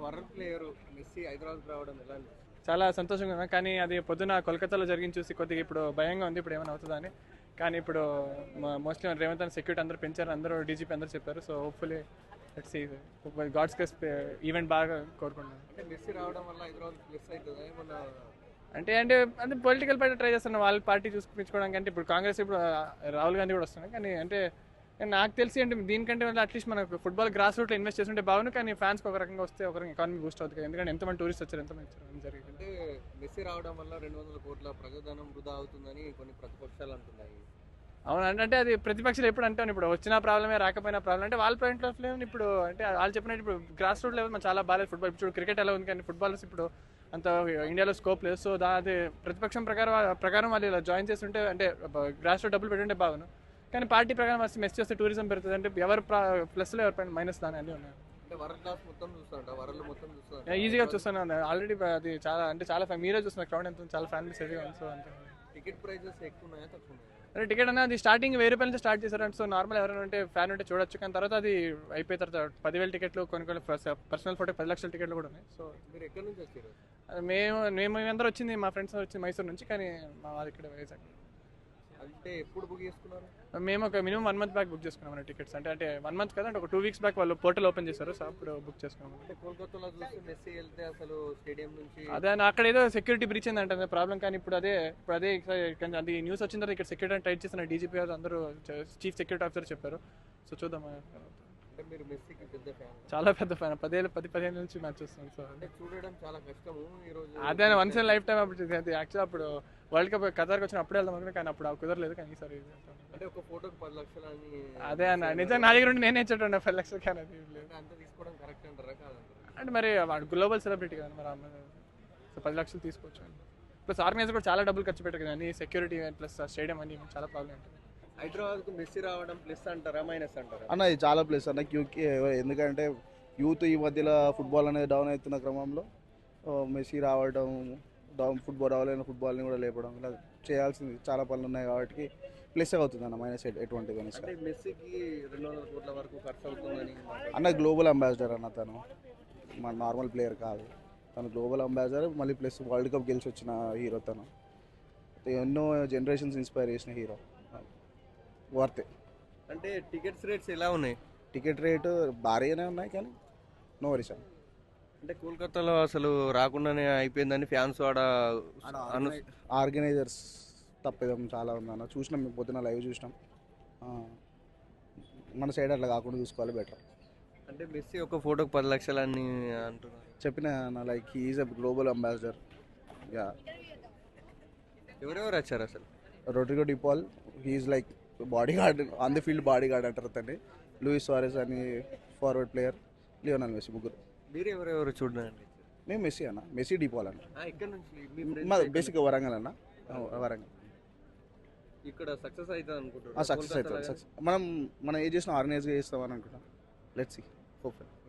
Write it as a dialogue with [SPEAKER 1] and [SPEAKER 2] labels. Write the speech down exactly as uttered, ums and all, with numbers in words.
[SPEAKER 1] World player Messi Hyderabad రావడం ఎలా అనిపిస్తుంది?
[SPEAKER 2] చాలా సంతోషంగా ఉన్నా, కానీ అది పొద్దున కోల్కతాలో జరిగింది చూసి కొద్దిగా ఇప్పుడు భయంగా ఉంది, ఇప్పుడు ఏమైనా అవుతుందని. కానీ ఇప్పుడు మోస్ట్లీ రేవంత్ అని సెక్యూరిటీ అందరూ పెంచారు, అందరూ డీజీపీ అందరూ చెప్పారు. So hopefully let's see God's case event బాగా కోరుకుంటున్నాను.
[SPEAKER 1] అంటే మెస్సీ రావడం వల్ల హైదరాబాద్ ప్లస్ అవుతుంది ఏమన్నా?
[SPEAKER 2] అంటే అంటే అంటే పొలిటికల్ పార్టీ ట్రై చేస్తున్నారు వాళ్ళ పార్టీ చూసుకుంపించుకోవడానికి. అంటే ఇప్పుడు కాంగ్రెస్ ఇప్పుడు రాహుల్ గాంధీ కూడా వస్తున్నాయి, కానీ అంటే నాకు తెలిసి అంటే దీనికంటే అట్లీస్ట్ మనకు ఫుట్బాల్ గ్రాస్ రూట్లో ఇన్వెస్ట్ చేస్తుంటే బాగుంది. కానీ ఫ్యాన్స్కి ఒక రకంగా వస్తే ఒక రకంగా ఎకానమీ బూస్ట్ అవుతుంది, ఎందుకంటే ఎంతమంది టూరిస్ట్ వచ్చారు, ఎంతమంది వచ్చారు జరిగింది.
[SPEAKER 1] అంటే మెస్సీ రావడం వల్ల రెండు వందల కోట్ల ప్రజాధనం వృధా అవుతుందని కొన్ని ప్రతిపక్షాలు అంటున్నాయి.
[SPEAKER 2] అవును, అంటే అది ప్రతిపక్షాలు ఎప్పుడు అంటాను, ఇప్పుడు వచ్చిన ప్రాబ్లమే రాకపోయినా ప్రాబ్లం. అంటే వాళ్ళ పాయింట్ ఆఫ్ వ్యూ ఇప్పుడు అంటే వాళ్ళు చెప్పినట్టు ఇప్పుడు గ్రాస్ రూట్ లెవెల్ మన చాలా బాగాలేదు ఫుట్బాల్. ఇప్పుడు క్రికెట్ ఎలా ఉంది, కానీ ఫుట్బాల్స్ ఇప్పుడు అంత ఇండియాలో స్కోప్ లేదు. సో దా అది ప్రతిపక్షం ప్రకారం ప్రకారం వాళ్ళు ఇలా జాయిన్ చేస్తుంటే అంటే గ్రాస్ రూట్ డబ్బులు పెట్టుంటే బాగును. కానీ పార్టీ ప్రకారం వస్తే మెస్ చేస్తే టూరిజం పెరుగుతుంది, అంటే ఎవరు ప్లస్లో ఎవరి పైన మైనస్ దాని అన్నీ ఉన్నాయి.
[SPEAKER 1] అంటే వరల్డ్ క్లాస్ మొత్తం చూస్తాంట, వరల్డ్ మొత్తం చూస్తాంట.
[SPEAKER 2] ఈజీగా చూస్తున్నాను ఆల్రెడీ, అది చాలా అంటే చాలా ఫ్యాన్ మీరే చూస్తున్నారు, క్రౌడ్ ఎంత చాలా ఫ్యామిలీస్ హెవీగా ఉంది. సో అంతే.
[SPEAKER 1] టికెట్ ప్రైజెస్ ఎక్కువ ఉన్నాయా తక్కువ ఉన్నాయా?
[SPEAKER 2] అంటే టికెట్ అనేది అది స్టార్టింగ్ వెయ్యి రూపాయల నుంచి స్టార్ట్ చేశారంటే, సో నార్మల్ ఎవరైనా ఉంటే ఫ్యాన్ ఉంటే చూడొచ్చు. కానీ తర్వాత అది అయిపోయిన తర్వాత పదివేల టికెట్లు, కొన్ని కొన్ని పర్సనల్ ఫోటో పది లక్షల టికెట్లు కూడా ఉన్నాయి. సో
[SPEAKER 1] మీరు ఎక్కడి నుంచి వచ్చారు?
[SPEAKER 2] అది మేము మేము అందరూ వచ్చింది మా ఫ్రెండ్స్ వచ్చింది మైసూర్ నుంచి, కానీ మా వాళ్ళు ఇక్కడ వైజాగ్.
[SPEAKER 1] అంటే ఎప్పుడు బుక్ చేసుకున్నారు?
[SPEAKER 2] మేము ఒక minimum one month back book చేసుకున్నాం టికెట్స్. అంటే అంటే వన్ మంత్ కదా, అంటే ఒక టూ వీక్స్ బ్యాక్ వాళ్ళు పోర్టల్ ఓపెన్ చేశారు, సో అప్పుడు బుక్ చేసుకున్నాం.
[SPEAKER 1] అంటే కోల్కతాలో చూస్తే మెస్సీ వెళ్తే అసలు స్టేడియం నుంచి
[SPEAKER 2] అదే అక్కడ ఏదో సెక్యూరిటీ బ్రీచ్ అంటే ప్రాబ్లం. కానీ ఇప్పుడు అదే ఇప్పుడు అదే అది న్యూస్ వచ్చిన తర్వాత ఇక్కడ సెక్యూరిటీ టైట్ చేసిన డీజీపీ గారు అందరూ చీఫ్ సెక్యూరిటీ ఆఫీసర్ చెప్పారు. సో చూద్దాం.
[SPEAKER 1] అంటే మీరు మెస్సీకి పెద్ద ఫ్యాన్?
[SPEAKER 2] చాలా పెద్ద ఫ్యాన్, పదేళ్ళు పది పదిహేను నుంచి మ్యాచ్ చూస్తాను. సో
[SPEAKER 1] అంటే చూడడం చాలా కష్టము ఈ రోజు.
[SPEAKER 2] అదే వన్స్ ఇన్ లైఫ్ టైం అప్పుడు యాక్చువల్ అప్పుడు వరల్డ్ కప్ ఖతార్కి వచ్చిన అప్పుడే వెళ్దాం అనుకున్నా, కానీ అప్పుడు కుదరలేదు. కానీ ఈసారి
[SPEAKER 1] అంటే ఒక ఫోటోకి పది లక్షలు అని.
[SPEAKER 2] అదే అన్న నిజంగా నా దగ్గర ఉండి నేనే ఇచ్చేటండి పది లక్షలు, కానీ అది లేదు.
[SPEAKER 1] అంత తీసుకోవడం కరెక్ట్ అంటారా కాదంటారా?
[SPEAKER 2] అంటే మరి వాడు గ్లోబల్ సెలబ్రిటీ కదా మరి అమ్మాయి, సో పది లక్షలు తీసుకోవచ్చు. ప్లస్ ఆర్గనైజర్ కూడా చాలా డబ్బులు ఖర్చు పెట్టారు కదా, అన్ని సెక్యూరిటీ ప్లస్ స్టేడియం అని చాలా ప్రాబ్లం ఉంటుంది.
[SPEAKER 1] హైదరాబాద్కు మెస్సీ రావడం ప్లస్ అంటారా మైనస్ అంటారా?
[SPEAKER 3] అన్న ఇది చాలా ప్లస్ అన్న క్యూకి, ఎందుకంటే యూత్ ఈ మధ్యలో ఫుట్బాల్ అనేది డౌన్ అవుతున్న క్రమంలో మెస్సీ రావడం, డౌన్ ఫుట్బాల్ రావాలని ఫుట్బాల్ని కూడా లేపడం, ఇలా చేయాల్సింది చాలా పనులు ఉన్నాయి కాబట్టి ప్లస్ అవుతుంది అన్న, మైనస్ ఎటువంటి మైనస్.
[SPEAKER 1] అంటే మెస్సీకి రెండు వందల కోట్ల వరకు ఖర్చు అవుతుందని
[SPEAKER 3] అన్న గ్లోబల్ అంబాసిడర్ అన్న, తను మన నార్మల్ ప్లేయర్ కాదు, తను గ్లోబల్ అంబాసిడర్. మళ్ళీ ప్లస్ వరల్డ్ కప్ గెలిచి వచ్చిన హీరో తను, ఎన్నో జనరేషన్స్ ఇన్స్పైర్ చేసిన హీరో, వర్తే.
[SPEAKER 1] అంటే టికెట్స్ రేట్స్ ఎలా ఉన్నాయి?
[SPEAKER 3] టికెట్ రేటు భారీగానే ఉన్నాయి, కానీ నో వరీస్ అన్న.
[SPEAKER 1] అంటే కోల్కతాలో అసలు రాకుండానే అయిపోయిందని ఫ్యాన్స్ ఆడ
[SPEAKER 3] ఆర్గనైజర్స్ తప్పేదం చాలా ఉందన్న. చూసినాం మేము పొద్దున లైవ్ చూసినాం, మన సైడ్ అట్లా కాకుండా చూసుకోవాలి బెటర్.
[SPEAKER 1] అంటే మెస్సీ ఒక ఫోటోకి పది లక్షలు అని అంటున్నారు.
[SPEAKER 3] చెప్పిన like he's a global ambassador. Yeah,
[SPEAKER 1] ఎవరెవరు వచ్చారు అసలు?
[SPEAKER 3] Rodrigo De Paul, he's like bodyguard, on the field bodyguard అంటారు అతన్ని. లూయిస్ సువారెజ్ అని ఫార్వర్డ్ ప్లేయర్, లియోనల్ మెస్సీ, ముగ్గురు.
[SPEAKER 1] మీరు ఎవరెవరు చూడండి?
[SPEAKER 3] మేము మెస్సీ అన్న, మెస్సీ డిపాల్ అన్న.
[SPEAKER 1] ఇక్కడ నుంచి
[SPEAKER 3] మా బేసిక్గా వరంగల్ అన్న, వరంగల్.
[SPEAKER 1] ఇక్కడ సక్సెస్ అవుతుంది అనుకుంటున్నాను.
[SPEAKER 3] సక్సెస్ అవుతుంది. సక్సెస్ మనం మనం ఏం చేసినా ఆర్గనైజ్గా చేస్తామని అనుకుంటాం. Let's see, hopeful.